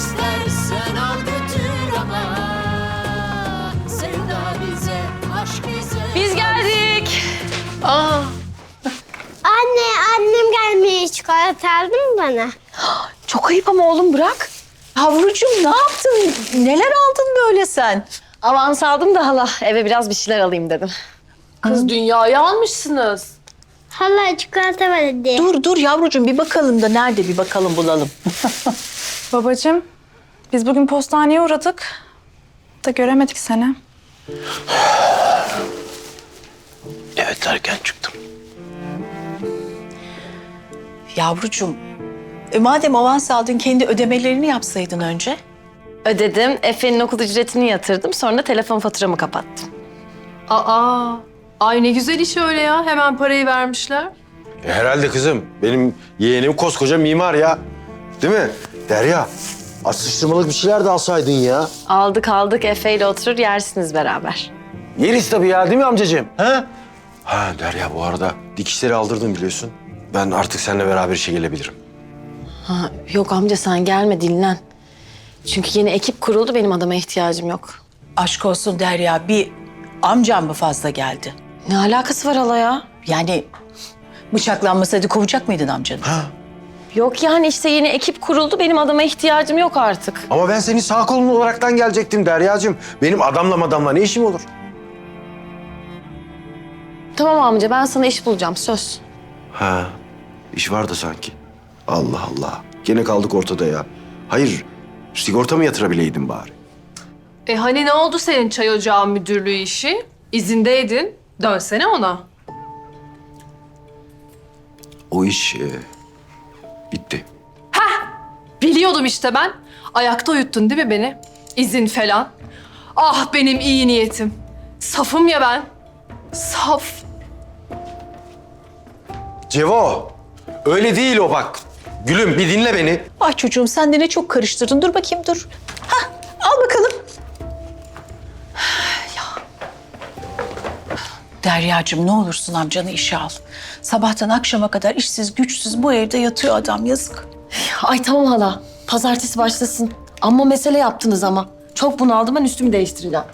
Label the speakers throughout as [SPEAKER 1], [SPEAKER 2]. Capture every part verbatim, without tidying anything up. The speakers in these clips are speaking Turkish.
[SPEAKER 1] İstersen al götür ama sevda bize, aşk bize.
[SPEAKER 2] Biz geldik.
[SPEAKER 3] Aa.
[SPEAKER 4] Anne, annem gelmiş. Çikolata aldın mı bana?
[SPEAKER 2] Çok ayıp ama oğlum, bırak.
[SPEAKER 3] Yavrucuğum ne yaptın? Neler aldın böyle sen?
[SPEAKER 2] Avans aldım da hala eve biraz bir şeyler alayım dedim.
[SPEAKER 5] Kız dünyayı almışsınız.
[SPEAKER 4] Hala çikolata var hadi.
[SPEAKER 3] Dur dur yavrucuğum bir bakalım da nerede bir bakalım bulalım.
[SPEAKER 6] Babacığım, biz bugün postaneye uğradık da göremedik seni.
[SPEAKER 7] Evet, erken çıktım.
[SPEAKER 3] Yavrucuğum e, madem avans aldın kendi ödemelerini yapsaydın önce.
[SPEAKER 2] Ödedim, Efe'nin okul ücretini yatırdım. Sonra da telefon faturamı kapattım.
[SPEAKER 5] Aa, ay ne güzel iş öyle ya. Hemen parayı vermişler.
[SPEAKER 8] E, herhalde kızım. Benim yeğenim koskoca mimar ya. Değil mi? Derya, atıştırmalık bir şeyler de alsaydın ya.
[SPEAKER 2] Aldık aldık, Efe ile oturur yersiniz beraber.
[SPEAKER 8] Yeriz tabii ya, değil mi amcacığım? Ha? Ha Derya, bu arada dikişleri aldırdım biliyorsun. Ben artık seninle beraber işe gelebilirim.
[SPEAKER 2] Ha, yok amca sen gelme, dinlen. Çünkü yeni ekip kuruldu, benim adama ihtiyacım yok.
[SPEAKER 3] Aşk olsun Derya bir amcam mı fazla geldi?
[SPEAKER 2] Ne alakası var hala ya?
[SPEAKER 3] Yani bıçaklanmasaydı kovacak mıydın amcanı?
[SPEAKER 2] Yok yani işte yeni ekip kuruldu, benim adama ihtiyacım yok artık.
[SPEAKER 8] Ama ben senin sağ kolun olaraktan gelecektim Deryacığım. Benim adamla madamla ne işim olur?
[SPEAKER 2] Tamam amca, ben sana iş bulacağım, söz.
[SPEAKER 8] Ha, iş vardı sanki. Allah Allah. Gene kaldık ortada ya. Hayır, sigorta mı yatırabileydin bari?
[SPEAKER 5] E hani ne oldu senin çay ocağı müdürlüğü işi? İzindeydin. Dönsene ona.
[SPEAKER 8] O iş e, bitti.
[SPEAKER 5] Biliyordum işte ben. Ayakta uyuttun değil mi beni? İzin falan. Ah benim iyi niyetim. Safım ya ben. Saf.
[SPEAKER 8] Cevo, öyle değil o bak. Gülüm bir dinle beni.
[SPEAKER 3] Ay çocuğum sen de ne çok karıştırdın. Dur bakayım dur. Hah al bakalım. Ya. Deryacığım ne olursun amcanı işe al. Sabahtan akşama kadar işsiz güçsüz bu evde yatıyor adam yazık.
[SPEAKER 2] Ay tamam hala, pazartesi başlasın. Amma mesele yaptınız ama. Çok bunaldım, ben üstümü değiştireceğim.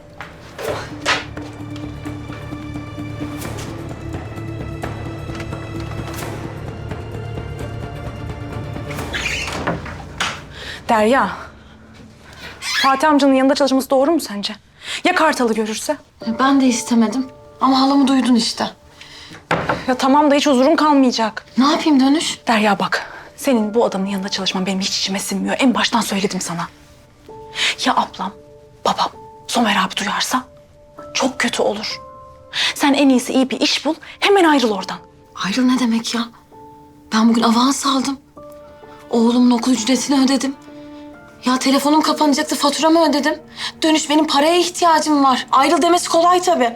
[SPEAKER 6] Derya, Fatih amcanın yanında çalışması doğru mu sence? Ya Kartal'ı görürse?
[SPEAKER 2] Ben de istemedim ama halamı duydun işte.
[SPEAKER 6] Ya tamam da hiç huzurun kalmayacak.
[SPEAKER 2] Ne yapayım Dönüş?
[SPEAKER 6] Derya bak, senin bu adamın yanında çalışman benim hiç içime sinmiyor. En baştan söyledim sana. Ya ablam, babam, Somer abi duyarsa? Çok kötü olur. Sen en iyisi iyi bir iş bul, hemen ayrıl oradan.
[SPEAKER 2] Ayrıl ne demek ya? Ben bugün avans aldım. Oğlumun okul ücretini ödedim. Ya telefonum kapanacaktı, faturamı ödedim. Dönüş, benim paraya ihtiyacım var. Ayrıl demesi kolay tabii.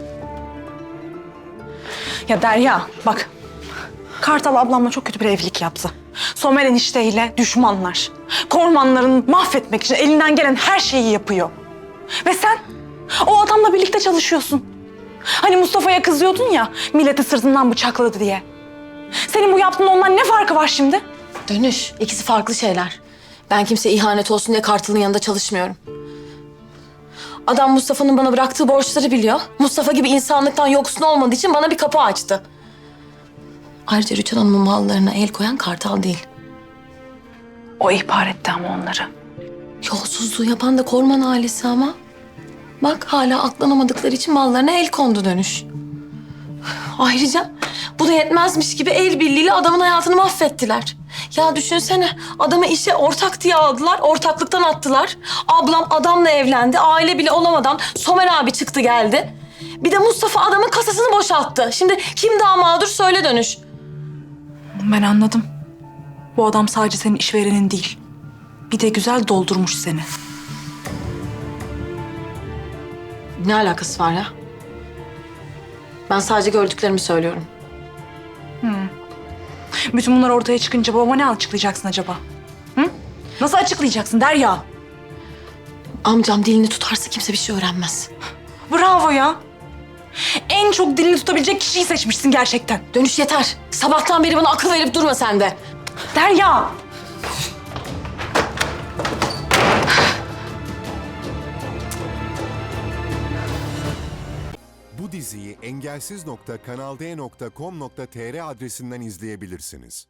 [SPEAKER 6] Ya Derya bak, Kartal ablamla çok kötü bir evlilik yaptı. Somer enişteyle düşmanlar. Kormanların mahvetmek için elinden gelen her şeyi yapıyor. Ve sen o adamla birlikte çalışıyorsun. Hani Mustafa'ya kızıyordun ya, milleti sırtından bıçakladı diye. Senin bu yaptığın ondan ne farkı var şimdi?
[SPEAKER 2] Dönüş, ikisi farklı şeyler. Ben kimseye ihanet olsun diye Kartal'ın yanında çalışmıyorum. Adam Mustafa'nın bana bıraktığı borçları biliyor. Mustafa gibi insanlıktan yoksun olmadığı için bana bir kapı açtı. Ayrıca Rüçhan Hanım'ın mallarına el koyan Kartal değil.
[SPEAKER 6] O ihbar etti ama onları.
[SPEAKER 2] Yolsuzluğu yapan da Korman ailesi ama. Bak hala aklanamadıkları için mallarına el kondu Dönüş. Ayrıca bu da yetmezmiş gibi el birliğiyle adamın hayatını mahvettiler. Ya düşünsene, adamı işe ortak diye aldılar, ortaklıktan attılar. Ablam adamla evlendi, aile bile olamadan Somer abi çıktı geldi. Bir de Mustafa adamın kasasını boşalttı. Şimdi kim daha mağdur söyle Dönüş.
[SPEAKER 6] Ben anladım. Bu adam sadece senin işverenin değil. Bir de güzel doldurmuş seni.
[SPEAKER 2] Ne alakası var ya? Ben sadece gördüklerimi söylüyorum.
[SPEAKER 6] Bütün bunlar ortaya çıkınca babama ne açıklayacaksın acaba? Hı? Nasıl açıklayacaksın Derya?
[SPEAKER 2] Amcam dilini tutarsa kimse bir şey öğrenmez.
[SPEAKER 6] Bravo ya. En çok dilini tutabilecek kişiyi seçmişsin gerçekten.
[SPEAKER 2] Dönüş yeter. Sabahtan beri bana akıl verip durma sen de.
[SPEAKER 6] Derya!
[SPEAKER 9] Bu diziyi engelsiz nokta kanalde nokta com nokta tr adresinden izleyebilirsiniz.